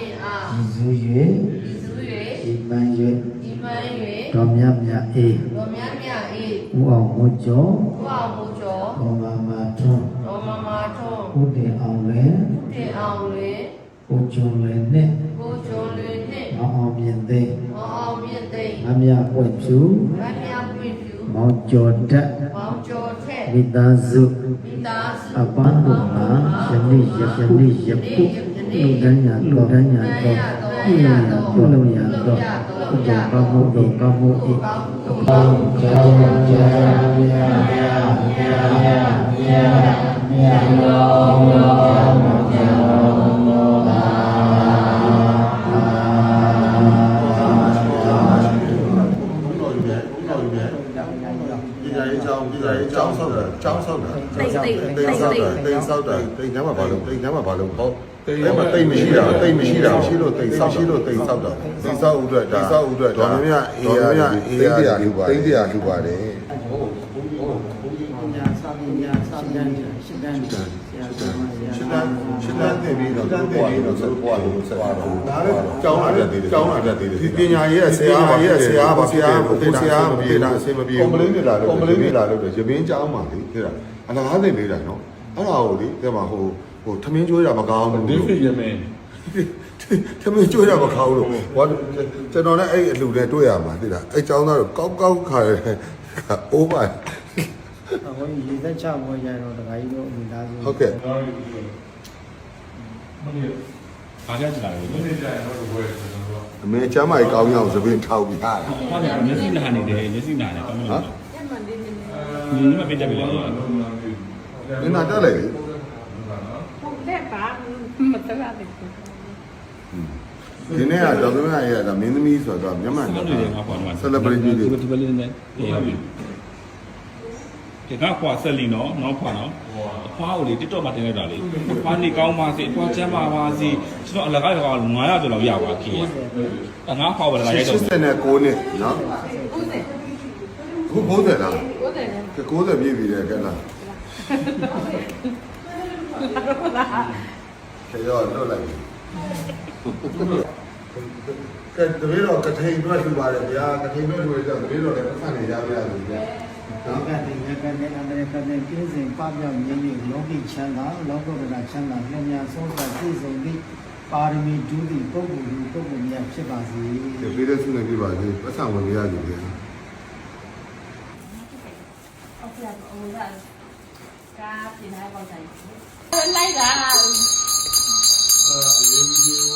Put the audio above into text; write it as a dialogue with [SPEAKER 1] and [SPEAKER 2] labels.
[SPEAKER 1] ဤမှန်၍တော်မြတ်မြတ်အေးဥအောင်မူကျော်တော်မမာထွန်းဥတည်အောင်လေကိုကျွန်းလေနဲ့အောင်မြင်သိမမြပွင့်ဖြူမောင်ကျော်တက်မိသားစုအပန်းတို့မှာယနေ့ယပုလူတန်းညာတော့ပြုလို့ရတော့ဥဒ္ဒပမှုတို့ကမှုဤအပေါင်းကြောင့်ကျောင်းဆောက်တာတိတ်ဆောက်တာတိတ်ညမှာဘာလို့ပေါ့တိတ်မရှိတာရှိလို့တိတ်ဆောက်တာတိတ်ဆောက်ဥအတွက်ဒေါ်မြအေးရလူပါတယ်ညာစာမညာစာတန်းရှင်းတန်းတယ်ပြီးတော့ဆိုပွားလို့ဆက်ပါတော့ဒါလည်းကျောင်းလာတတ်သေးတယ်ဒီပညာရေးဆရာမပြေတာအဆင်မပြေကွန်ပလင်းတွေလာလို့ရပင်းကျောင်းပါလေတဲ့အလားသိနေတာနော်အဲ့ဒါကိုလေတဲ့မှာဟိုထမင်းကျွေးတာမကောင်းဘူးဒီဖြစ်ရမယ်ထမင်းကျွေးတာမကောင်းလို့ဟောကျွန်တော်လည်းအဲ့အလှနဲ့တွေ့ရမှာသိလားအဲ့ကျောင်းသားတို့ကောက်ခါတယ်အိုးပါဟိုရေသက်ချမောရတော့တခါကြီးတို့မိသားစုဟုတ်ကဲ့
[SPEAKER 2] အားရကြလာတယ်ဒီနေ့ကျရင်တော့ဘယ်ကျွန်တော်တို့
[SPEAKER 1] အမေချမ်းမကြီးကောင်းရအောင်သပင်းထောက်ပြီးဟာ
[SPEAKER 2] ဟုတ်တယ်မျက်စိနာနေတယ်မျက်စိနာနေကောင်းလို့ဒီမှာပြတက်ပြီလား
[SPEAKER 1] ဒီနာတက်လေ
[SPEAKER 3] တဲ့ပါမတရတဲ့
[SPEAKER 1] ဒီနေ့ကတော့သမီးရဲ့ဒါမင်းသမီးဆိုတော့မြန်မာတော့ celebrity တွေ
[SPEAKER 2] ဒီဘက်လေးနဲ့ဟုတ်ပြီဒီကခွာဆက်လီနော်နောက်ခွာနော်အဖွားကိုလေ TikTok မှာတင်လိုက်တာလေအဖွားနေကောင်းပါစေအဖွားချမ်းပါပါစေကျွန်တော်အလကားရော900ကျော်လောက်ရပါခင်ဗျငါခွာပါလာရိုက်တော့
[SPEAKER 1] 89နှစ်နော်ခု90လား90ပြည့်ပြီလေကဲလားခေရောတော့လိုက်ကဲတပည့်တော်ကထိန်အတွက်လှူပါတယ်ဗျာကထိန်အတွက်လှူရကြတပည့်တော်လည်းပတ်စံနေရပါရစေဗျာ
[SPEAKER 4] လောကတိယကနေအမေရိကန်နဲ့ပြည်စဉ်ပပျောက်ရင်းနဲ့လောကီချမ်းသာလောကဗလာချမ်းသာလျှင်များဆုံးစွာပြည့်စုံသည့်ပါရမီဒုတိပုဂ္ဂိုလ်များဖြစ်ပါစေ
[SPEAKER 1] ။ဒီပြည်တဲ့ဆုနဲ့ပြပါစေ။ပတ်စံဝင်ရကြတယ်
[SPEAKER 3] ဟုတ်ကဲ့ဟိုကကားပြင်ထားပေါက်တိုင်းလိုက်တာ